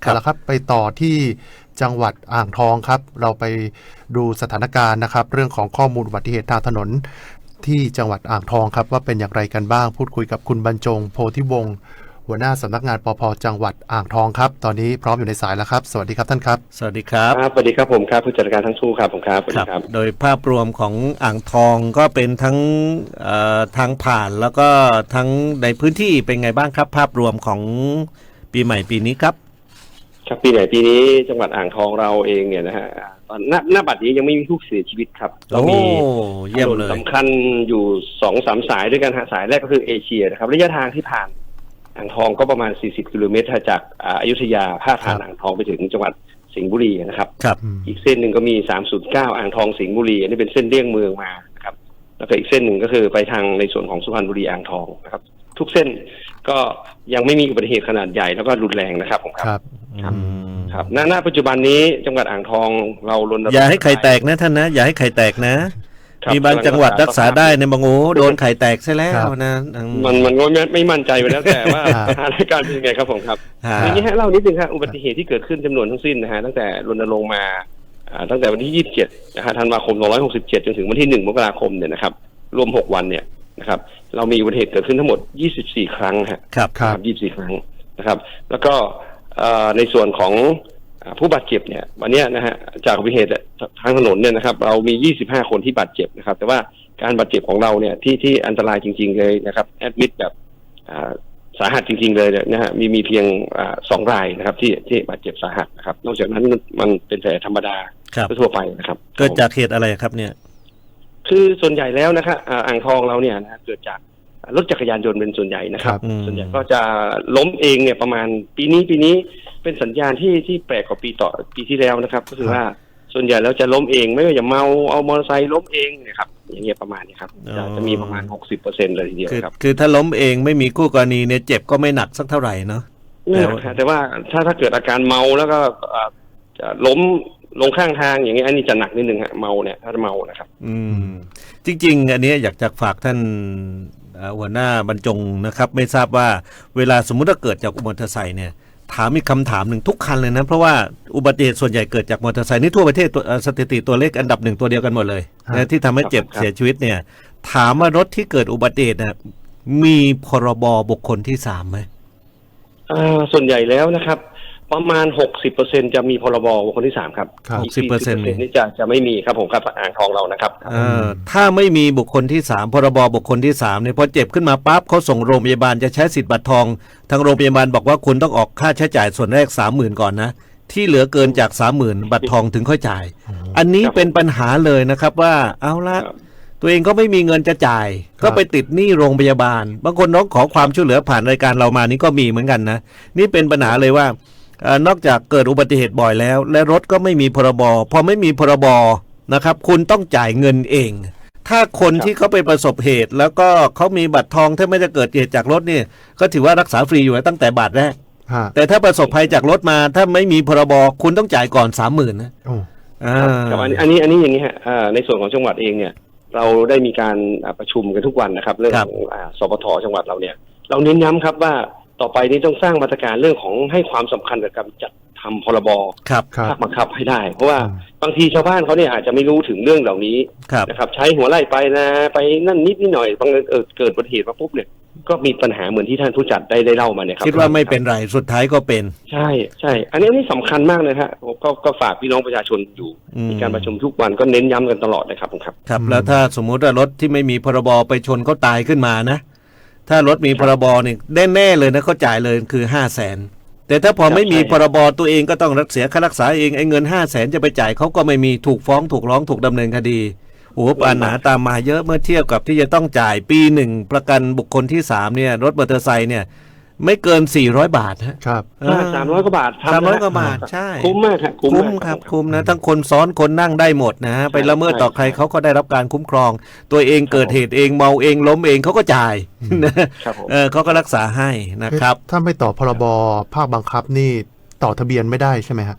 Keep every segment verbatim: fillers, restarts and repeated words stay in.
เอาละครับไปต่อที่จังหวัดอ่างทองครับเราไปดูสถานการณ์นะครับเรื่องของข้อมูลอุบัติเหตุทางถนนที่จังหวัดอ่างทองครับว่าเป็นอย่างไรกันบ้างพูดคุยกับคุณบรรจงโพธิวงศ์หัวหน้าสำนักงานปภ.จังหวัดอ่างทองครับตอนนี้พร้อมอยู่ในสายแล้วครับสวัสดีครับท่านครับสวัสดีครับครับสวัสดีครับผมครับผู้จัดการทั้งคู่ครับผมครับครับโดยภาพรวมของอ่างทองก็เป็นทั้งทางผ่านแล้วก็ทั้งในพื้นที่เป็นไงบ้างครับภาพรวมของปีใหม่ปีนี้ครับครับปีใหม่ปีนี้จังหวัดอ่างทองเราเองเนี่ยนะฮะตอนหน้าบัดนี้ยังไม่มีผู้เสียชีวิตครับเรามีถนนสำคัญอยู่สองสามสายด้วยกันฮะสายแรกก็คือเอเชียนะครับระยะทางที่ผ่านอ่างทองก็ประมาณสี่สิบกิโลเมตรจากอยุธยาพาดผ่านอ่างทองไปถึงจังหวัดสิงห์บุรีนะครับอีกเส้นหนึ่งก็มีสามศูนย์เก้าอ่างทองสิงห์บุรีอันนี้เป็นเส้นเลี่ยงเมืองมานะครับแล้วก็อีกเส้นหนึ่งก็คือไปทางในส่วนของสุพรรณบุรีอ่างทองนะครับทุกเส้นก็ยังไม่มีอุบัติเหตุขนาดใหญ่แล้วก็รุนแรงนะครับผมครับครับครับณณปัจจุบันนี้จังหวัดอ่างทองเรารณรงค์อย่าให้ไข่แตกนะท่านนะอย่าให้ไข่แตกนะมีบางจังหวัดรักษาได้ในบางโอ้โดนไข่แตกใช่แล้วนะมันมันก็ไม่ไม่มั่นใจไปแล้วแต่ว่าสถานการณ์เป็นยังไงครับผมครับอย่างนี้ฮะเล่านิดนึงครับอุบัติเหตุที่เกิดขึ้นจำนวนทั้งสิ้นนะฮะตั้งแต่รณรงค์มาตั้งแต่วันที่ยี่สิบเจ็ดนะฮะธันวาคมสองร้อยหกสิบเจ็ดจนถึงวันที่หนึ่งมกราคมเนี่ยนะครับรวมหกวันเนี่ยนะครับเรามีอุบัติเหตุเกิดขึ้นทั้งหมดยี่สิบสี่ครั้งฮะครับครับยี่สิบสี่ครั้งนะครับแล้วก็ในส่วนของผู้บาดเจ็บเนี่ยวันนี้นะฮะจากอุบัติเหตุทางถนนเนี่ยนะครับเรามียี่สิบห้าคนที่บาดเจ็บนะครับแต่ว่าการบาดเจ็บของเราเนี่ยที่ที่อันตรายจริงๆเลยนะครับแอดมิดแบบสาหัสจริงๆเลยนะฮะมีมีเพียงสองรายนะครับที่ที่บาดเจ็บสาหัสนะครับนอกจากนั้นมันเป็นแผลธรรมดาทั่วไปนะครับเกิดจากเหตุอะไรครับเนี่ยคือส่วนใหญ่แล้วนะครับอ่างทองเราเนี่ยนะเกิดจากรถจักรยานยนต์เป็นส่วนใหญ่นะครับส่วนใหญ่ก็จะล้มเองเนี่ยประมาณปีนี้ปีนี้เป็นสัญญาณที่ที่แปลกกว่าปีต่อปีที่แล้วนะครับก็คือว่าส่วนใหญ่แล้วจะล้มเองไม่ว่าจะเมาเอามอเตอร์ไซค์ล้มเองนะครับอย่างเงี้ยประมาณนี้ครับจะจะมีประมาณ หกสิบเปอร์เซ็นต์ เลยทีเดียวครับคือถ้าล้มเองไม่มีคู่กรณีเนี่ยเจ็บก็ไม่หนักสักเท่าไหร่เนาะแต่แต่ว่าถ้าถ้าเกิดอาการเมาแล้วก็จะล้มลงข้างทางอย่างเงี้ยอันนี้จะหนักนิดนึงฮะเมาเนี่ยถ้าเมานะครับอืมจริงๆอันนี้อยากจะฝากท่านหัวหน้าบรรจงนะครับไม่ทราบว่าเวลาสมมุติว่าเกิดจากอุบัติเหตุเนี่ยถามมีคำถามหนึ่งทุกคันเลยนะเพราะว่าอุบัติเหตุส่วนใหญ่เกิดจากมอเตอร์ไซค์นี่ทั่วประเทศสถิติตัวเลขอันดับหนึ่งตัวเดียวกันหมดเลยนะที่ทำให้เจ็บเสียชีวิตเนี่ยถามว่ารถที่เกิดอุบัติเหตุนะมีพรบบุคคลที่สามไหมอ่าส่วนใหญ่แล้วนะครับประมาณ หกสิบเปอร์เซ็นต์ จะมีพรบบุคคลที่สามครับหกสิบเปอร์เซ็นต์นี่จะจะไม่มีครับผมครับอ่างทองเรานะครับเอ่อถ้าไม่มีบุคคลที่สามพรบบุคคลที่สามเนี่ยพอเจ็บขึ้นมาปั๊บเขาส่งโรงพยาบาลจะใช้สิทธิ์บัตรทองทางโรงพยาบาลบอกว่าคุณต้องออกค่าใช้จ่ายส่วนแรก สามหมื่น ก่อนนะที่เหลือเกินจาก สามหมื่น บัตรทองถึงค่อยจ่ายอันนี้เป็นปัญหาเลยนะครับว่าเอาละตัวเองก็ไม่มีเงินจะจ่ายก็ไปติดหนี้โรงพยาบาลบางคนน้องขอความช่วยเหลือผ่านรายการเรามานี่ก็มีเหมือนกันนะนี่เป็นปัญหาเลยว่านอกจากเกิดอุบัติเหตุบ่อยแล้วและรถก็ไม่มีพรบพอไม่มีพรบนะครับคุณต้องจ่ายเงินเองถ้าคนที่เขาไปประสบเหตุแล้วก็เขามีบัตรทองถ้าไม่ได้เกิดเหตุจากรถนี่ก็ถือว่ารักษาฟรีอยู่ตั้งแต่บาทแรกแต่ถ้าประสบภัยจากรถมาถ้าไม่มีพรบคุณต้องจ่ายก่อน สามหมื่น นะอ่าครับอันนี้อันนี้อันนี้อย่างนี้ฮะในส่วนของจังหวัดเองเนี่ยเราได้มีการประชุมกันทุกวันนะครับเรื่องของสปท.จังหวัดเราเนี่ยเราเน้นย้ำครับว่าต่อไปนี้ต้องสร้างมาตรการเรื่องของให้ความสำคัญกับการจัดทำพรบภาคบังคับให้ได้เพราะว่าบางทีชาวบ้านเขาเนี่ยอาจจะไม่รู้ถึงเรื่องเหล่านี้นะครับใช้หัวไล่ไปนะไปนั่นนิดนิดหน่อยบางเออเกิดอุบัติเหตุมาปุ๊บเนี่ยก็มีปัญหาเหมือนที่ท่านผู้จัดได้ได้เล่ามาเนี่ยครับคิดว่าไม่เป็นไรสุดท้ายก็เป็นใช่ใช่อันนี้นี่สำคัญมากเลยฮะก็ก็ฝากพี่น้องประชาชนอยู่มีการประชุมทุกวันก็เน้นย้ำกันตลอดเลยครับผมครับครับแล้วถ้าสมมุติว่ารถที่ไม่มีพรบไปชนเขาตายขึ้นมานะถ้ารถมีพรบนี่แน่ๆเลยนะเขาจ่ายเลยคือ ห้าแสน แต่ถ้าพอไม่มีพรบตัวเองก็ต้องรักษาค่ารักษาเองไอ้เงิน ห้าแสน จะไปจ่ายเขาก็ไม่มีถูกฟ้องถูกร้องถูกดำเนินคดีโอ้ปัญหาตามมาเยอะเมื่อเทียบกับที่จะต้องจ่ายปีหนึ่งประกันบุคคลที่สามเนี่ยรถมอเตอร์ไซค์เนี่ยไม่เกินสี่ร้อยบาทฮะครับสามร้อยกว่าบาทสามร้อยกว่าบาทใช่คุ้มมากครับคุ้มครับคุ้มนะทั้งคนซ้อนคนนั่งได้หมดนะไปละเมิดต่อใครเขาก็ได้รับการคุ้มครองตัวเองเกิดเหตุเองเมาเองล้มเองเขาก็จ่ายนะเออเขาก็รักษาให้นะครับถ้าไม่ต่อพรบภาคบังคับนี่ต่อทะเบียนไม่ได้ใช่ไหมฮะ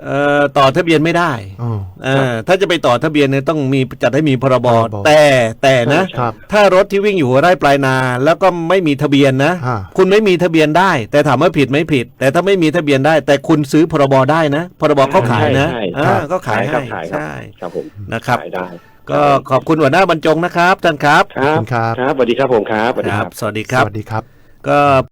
เอ่อต่อทะเบียนไม่ได้อ๋อเออถ้าจะไปต่อทะเบียนเนี่ยต้องมีจัดให้มีพรบพรบแต่แต่นะครับถ้ารถที่วิ่งอยู่หัวไร่ปลายนา แล้วก็ไม่มีทะเบียนนะอ่าคุณไม่มีทะเบียนได้ แต่ถามว่าผิดไหมผิด แต่ถ้าไม่มีทะเบียนได้ แต่คุณซื้อพรบได้นะพรบเขาขายนะใช่อ่าใช่ก็ขายครัให้บขายครับใช่ครับผมนะครับขายได้ก็ขอบคุณหัวหน้าบรรจงนะครับท่านครับครับขอบคุณครับครับสวัสดีครับผมครับสวัสดีคครัรับบ สวัสดีคสรับวัสดีครับก็